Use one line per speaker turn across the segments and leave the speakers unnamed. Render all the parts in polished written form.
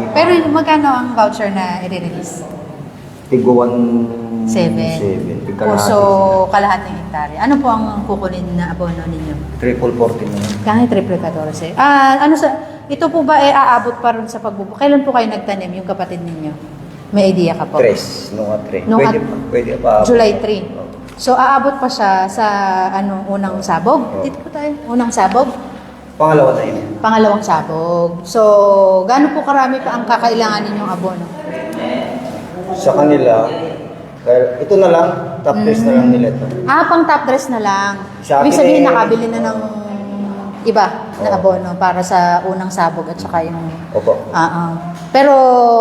Pero magkano ang voucher na i-release?
Tigo 1.7.
So, kalahating hektarya. Ano po ang kukunin na abono ninyo?
Triple 14 na.
Kahit triple 14. Ito po ba aabot pa rin sa pagbubo? Kailan po kayo nagtanim, yung kapatid ninyo? May idea ka po?
3. Nung 3.
Nung
Pwede pa.
July 3. So, aabot pa siya sa unang sabog? Dito po tayo. Unang sabog?
Pangalawa na yun.
Pangalawang sabog. So, gaano po karami pa ang kakailangan ninyong abono?
Sa kanila, ito na lang, top dress na lang nila ito.
Pang top dress na lang.
Sa
Ibig
akin
sabihin,
eh,
nakabili na ng iba na abono para sa unang sabog at saka yung...
Opo.
Pero,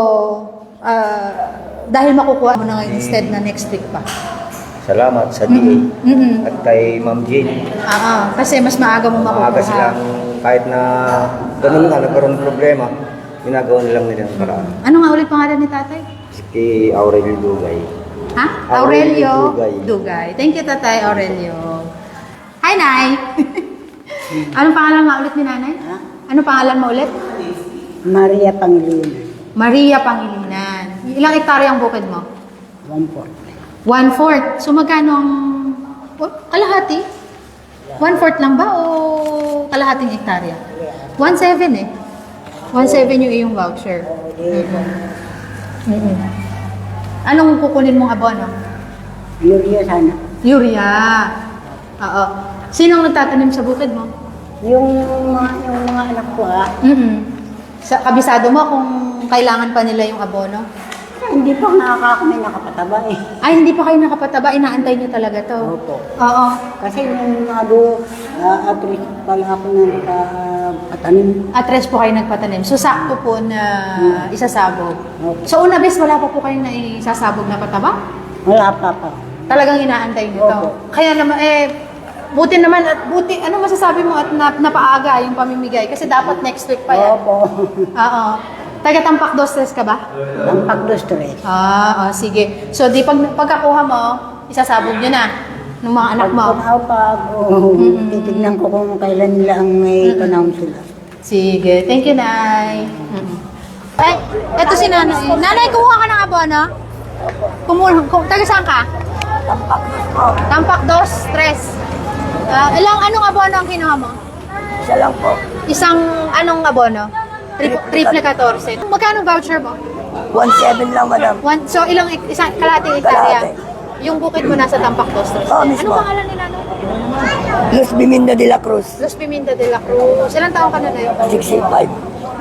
dahil makukuha mo na ngayon instead na next week pa.
Salamat sa DA at kay Ma'am Jane.
Kasi mas maaga mo makukuha.
Maaga silang, kahit na ganun nga, nagkaroon ng problema, ginagawa nilang nilang paraan.
Ano nga ulit pangalan ni tatay?
Si Aurelio Dugay.
Aurelio Dugay. Thank you, Tatay Aurelio. Hi, Nay! Anong pangalan mo ulit ni Nanay? Anong pangalan mo ulit?
Maria Pangilinan.
Maria Pangilinan. Ilang hektarya ang bukid mo?
1/4.
1/4. So, magkano ang... kalahati? 1/4 lang ba o kalahating hektarya? 1.7 eh. 1.7 yung iyong voucher. Anong kukunin mong abono?
Urea sana.
Urea. Oo. Sinong nagtatanim sa bukid mo?
Yung mga anak ko
Kabisado mo kung kailangan pa nila yung abono?
hindi pa kami nakapataba eh.
Ay, hindi pa kayo nakapataba. Inaantay niyo talaga to?
Opo.
Oo.
Kasi nung at least pala ako na nakapatanim.
At po kayo nagpatanim. So, sakto po na isasabog.
Opo.
So, una bes, wala pa po kayong naisasabog na pataba?
Wala pa pa.
Talagang inaantay niyo to?
Opo.
Kaya naman, buti naman at buti, ano masasabi mo at napaaga yung pamimigay? Kasi dapat next week pa yan.
Opo.
Oo. Taga Tampak 2 ka ba?
Tampak 2.
Sige. So, pagkakuha mo, isasabog nyo na ng mga anak mo.
Titignan ko kung kailan nila ang may panahon sila.
Sige. Thank you, Nay. Ay, eto si Nanay. Nanay, kumuha ka ng abono? Taga saan ka? Tampak 2, 3. Anong abono ang kinuha mo?
Isa lang po.
Isang anong abono? Triple 14. Magkano voucher mo?
1.7 lang, madam.
So, isang kalahating hektarya? Yung bukid mo nasa Tampak 2, 3.
Mismo.
Anong pangalan nila?
Luz Biminda de la Cruz.
Los Piminta de la Cruz. Ilang taon ka na na yun?
65.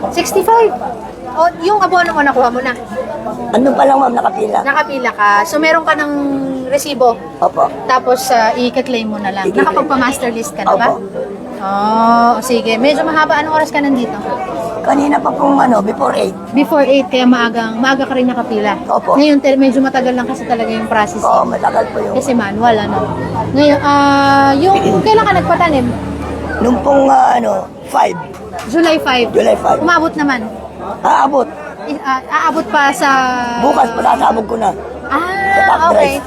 65? O, yung abono mo, nakuha mo na?
Ano pa lang, ma'am, nakapila?
Nakapila ka. So, meron ka ng resibo.
Opo.
Tapos, i-claim mo na lang.
I-claim.
Nakapagpa-master list ka na ba?
Opo.
Sige. Medyo mahaba. Anong oras ka nandito?
Kanina pa pong before 8.
Before 8, kaya maaga ka rin nakapila.
Opo.
Ngayon, medyo matagal lang kasi talaga yung process.
Oo, matagal po yung...
Kasi manual, Ngayon, kailan ka nagpatanim?
Nung pong 5.
July 5.
July 5.
Umabot naman.
Aabot.
Aabot pa sa...
Bukas, pasasabog ko na.
Okay.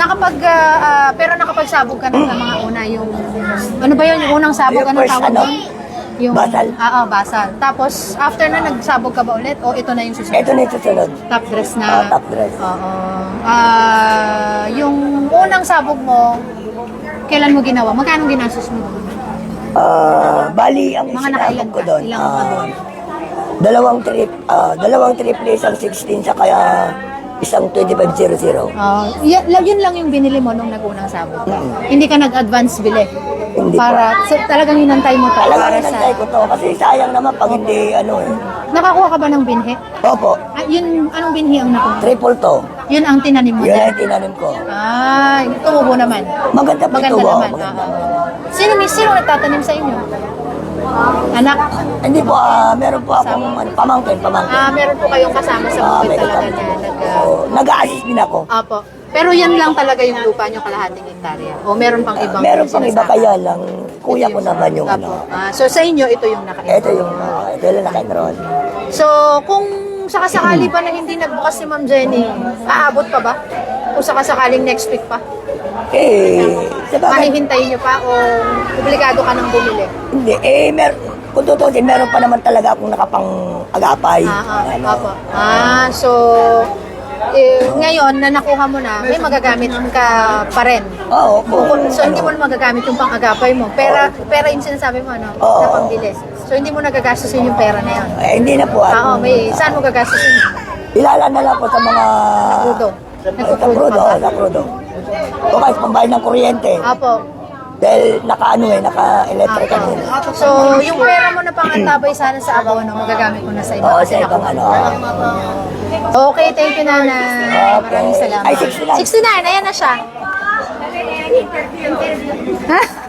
Pero nakapagsabog ka na sa mga una, yung... Ano ba yun? Yung unang sabog,
Yung
anong
first,
tawag doon? Yung,
basal.
Basal. Tapos, after na, nagsabog ka ba ulit? O ito na yung susunod?
Ito na yung susunod.
Top dress na?
Top dress.
Oo. Yung unang sabog mo, kailan mo ginawa? Magkano ginastos mo?
Bali, ang
Mga nakailan
isinabog ko
ka?
doon.
Ilang abon?
Dalawang triple, isang 16, saka isang 2500.
Yun lang yung binili mo nung nag-unang sabog. Hindi ka nag-advance bili?
Hindi
Talagang hinantay mo to?
Talagang hinantay ko to kasi sayang naman pag hindi
Nakakuha ka ba ng binhi?
Opo,
Anong binhi ang nakuha?
triple to.
Yun ang tinanim mo?
Yun ay tinanim ko.
Tumubo naman.
Maganda po ito.
Naman. Sino nagtatanim sa inyo? Anak?
Hindi po, meron po akong pamangkin.
Meron po kayong kasama sa bukid talaga niya.
Nag-a-assist din ako.
Opo. Pero yan lang talaga yung lupa nyo, kalahating hektarya? O meron pang ibang
Meron pang iba
sinasaka?
kaya lang, kuya ko naman yung
So sa inyo, ito yung
ito yung naka-enroll.
So kung sakasakali pa na hindi nagbukas si Ma'am Jenny, aabot pa ba? O sakasakaling next week pa?
Sa bagay,
Mahihintayin nyo pa o obligado ka nang bumili?
hindi.
kung tutusin, meron pa naman talaga akong nakapang-agapay.
Opo. So, ngayon na nakuha mo na, may magagamit ka pa rin.
Oo,
So, hindi mo na magagamit yung pang-agapay mo. Pera yung sinasabi mo, ano?
Oo.
Na pambilis. So, hindi mo nagagastusin yung pera na yun.
hindi na po.
Saan mo gagastusin?
Ilalan na lang po sa mga...
Crudo.
Sa crudo, sa crudo. O kahit pambayad ng kuryente.
Apo.
Dahil naka-electric ka din.
So, yung pera mo na pangantabay sana sa abono, magagamit mo na sa iba.
Oo,
Kasi
sa ibang
nakuha. Okay, thank you, Nanay.
Okay.
Maraming salamat.
Ay, 69.
69, ayan na siya. Ha?